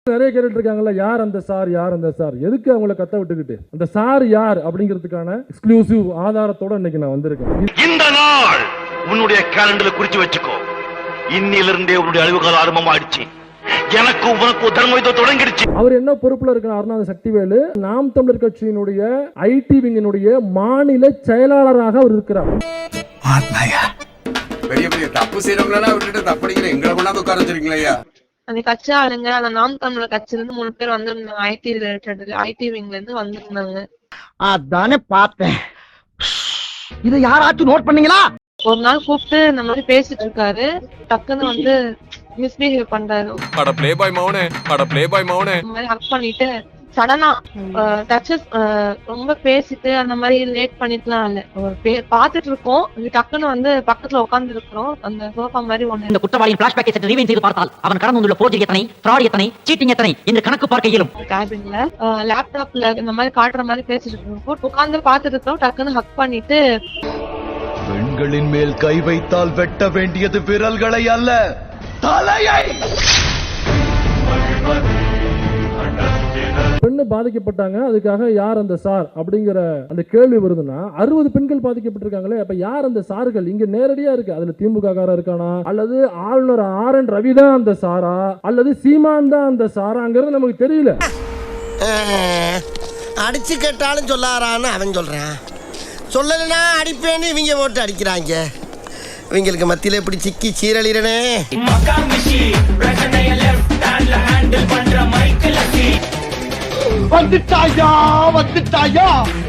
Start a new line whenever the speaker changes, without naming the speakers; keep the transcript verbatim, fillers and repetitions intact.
நிறைய கேட்டுட்டு இருக்காங்கல்ல, யார் அந்த சார், யார் அந்த சார், எதுக்கு அவங்கள கத்த விட்டுக்கிட்டு, அந்த சார் யார் அப்படிங்கிறதுக்கான எக்ஸ்க்ளூசிவ் ஆதாரத்தோட இன்னைக்கு நான் வந்திருக்கேன்.
இந்த நாள் உன்னுடைய கேலண்டர்ல குறிச்சு வச்சுக்கோ. இன்னிலிருந்தே உன்னுடைய அழிவு காலம் ஆரம்பமாயிடுச்சு. எனக்கு உனக்கு தர்மயுத்தம் தொடங்கிடுச்சு.
அவர் என்ன பொறுப்புல இருக்கிறாருன்னா, சக்திவேலு நாம் தமிழர் கட்சியினுடைய ஐடி விங்கினுடைய மாநில செயலாளராக அவர் இருக்கிறார்.
பெரிய பெரிய தப்பு செய்யறவங்களா விட்டுட்டு தப்படிக்கிற எங்களை கொண்டாந்து உட்கார வச்சிருக்கீங்களா?
அந்த கட்சி ஆளுங்க அந்த நாம் தமிழர் கட்சியில இருந்து மூணு பேர் வந்திருந்தாங்க. ஐடி ரிலேட்டட் ஐடி விங்ல இருந்து வந்திருந்தாங்க.
அதானே பார்த்தேன். இதை யாராச்சும் நோட் பண்ணீங்களா?
ஒரு நாள் கூப்பிட்டு இந்த மாதிரி பேசிட்டு இருக்காரு. டக்குன்னு வந்து மிஸ்பிஹேவ் பண்றாரு.
அட ப்ளே பாய் மௌனே, அட ப்ளே பாய் மௌனே
இந்த மாதிரி ஹக் பண்ணிட்டு சடனா டச்சஸ் ரொம்ப பேசிட்டு அந்த மாதிரி லேட் பண்ணிட்டுலாம் இல்ல. பாத்துட்டு இருக்கோம், டக்குன்னு வந்து பக்கத்துல உட்கார்ந்து இருக்கிறோம். அந்த சோஃபா மாதிரி ஒண்ணு.
இந்த குற்றவாளியின் பிளாஷ்பேக்கை சற்று ரீவைண்ட் செய்து பார்த்தால் அவன் கடந்து வந்துள்ள போர்ஜரி எத்தனை, ஃப்ராட் எத்தனை, சீட்டிங் எத்தனை என்று கணக்கு பார்க்க இயலும்.
கேபின்ல லேப்டாப்ல இந்த மாதிரி காட்டுற மாதிரி பேசிட்டு இருக்கோம். உட்கார்ந்து பாத்துட்டு இருக்கோம். டக்குன்னு ஹக் பண்ணிட்டு,
பெண்களின் மேல் கை வைத்தால் வெட்ட வேண்டியது விரல்களை அல்ல, தலையை.
பெண்ணு பாதிக்கப்பட்டாங்க, அதுக்காக யார் அந்த சார் அப்படிங்கிற அந்த கேள்வி வருதுன்னா, அறுபது பெண்கள் பாதிக்கப்பட்டிருக்காங்களே, அப்ப யார் அந்த சார்கள்? இங்க நேரடியா இருக்கு. அதுல திமுக காரா இருக்கானா, அல்லது ஆளுநர் ஆர் என் ரவி தான் அந்த சாரா, அல்லது சீமான் தான் அந்த சாராங்கிறது நமக்கு தெரியல.
அடிச்சு கேட்டாலும் சொல்லாரான்னு அவன் சொல்றான். சொல்லலைன்னா அடிப்பேன்னு இவங்க போட்டு அடிக்கிறாங்க. இவங்களுக்கு மத்தியில இப்படி சிக்கி சீரழிறனே. வந்துட்டாயா வந்துட்டாயா